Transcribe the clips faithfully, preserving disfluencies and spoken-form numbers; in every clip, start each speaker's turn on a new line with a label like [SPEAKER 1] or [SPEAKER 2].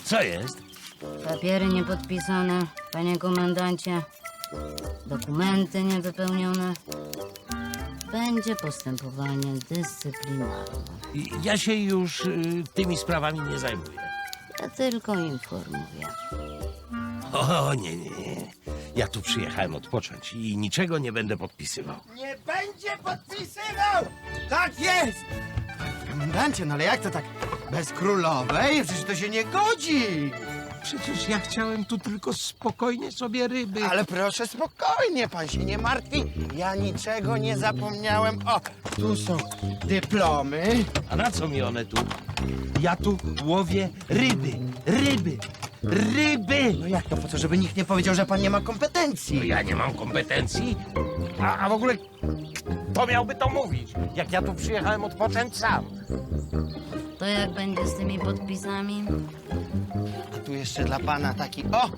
[SPEAKER 1] Co jest?
[SPEAKER 2] Papiery niepodpisane, panie komendancie. Dokumenty niewypełnione. Będzie postępowanie dyscyplinarne.
[SPEAKER 1] I- Ja się już y, tymi sprawami nie zajmuję.
[SPEAKER 2] Ja tylko informuję.
[SPEAKER 1] O, nie, nie, nie. Ja tu przyjechałem odpocząć i niczego nie będę podpisywał.
[SPEAKER 3] Nie będzie podpisywał! Tak jest! Komendancie, no ale jak to tak bez królowej? Przecież to się nie godzi!
[SPEAKER 1] Przecież ja chciałem tu tylko spokojnie sobie ryby.
[SPEAKER 3] Ale proszę spokojnie, pan się nie martwi. Ja niczego nie zapomniałem. O, tu są dyplomy.
[SPEAKER 1] A na co mi one tu? Ja tu łowię ryby, ryby, ryby!
[SPEAKER 3] No jak to, po co, żeby nikt nie powiedział, że pan nie ma
[SPEAKER 1] No
[SPEAKER 3] kompetencji?
[SPEAKER 1] ja nie mam kompetencji. A, a w ogóle kto miałby to mówić, jak ja tu przyjechałem odpocząć sam?
[SPEAKER 2] To jak będzie z tymi podpisami?
[SPEAKER 3] A tu jeszcze dla pana taki, o!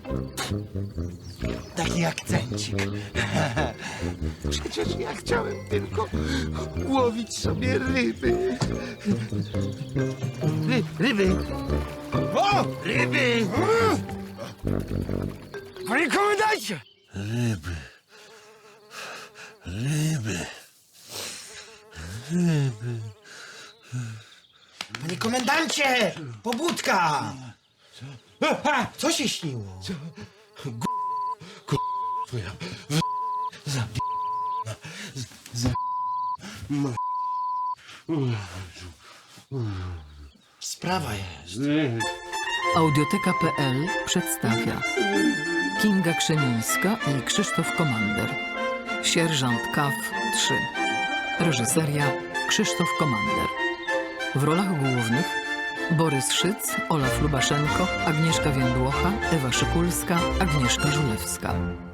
[SPEAKER 3] Taki akcencik.
[SPEAKER 1] Przecież ja chciałem tylko łowić sobie ryby. Ry, ryby!
[SPEAKER 3] O!
[SPEAKER 1] Ryby!
[SPEAKER 3] Panie komendancie!
[SPEAKER 1] Ryby. Ryby.
[SPEAKER 3] Panie komendancie! Pobudka! Co? Co się śniło? Co?
[SPEAKER 1] Twoja...
[SPEAKER 3] Sprawa jest.
[SPEAKER 4] Audioteka kropka pe el przedstawia Kinga Krzemińska i Krzysztof Komander. Sierżant Kaw trzy. Reżyseria Krzysztof Komander. W rolach głównych Borys Szyc, Olaf Lubaszenko, Agnieszka Więdłocha, Ewa Szykulska, Agnieszka Żulewska.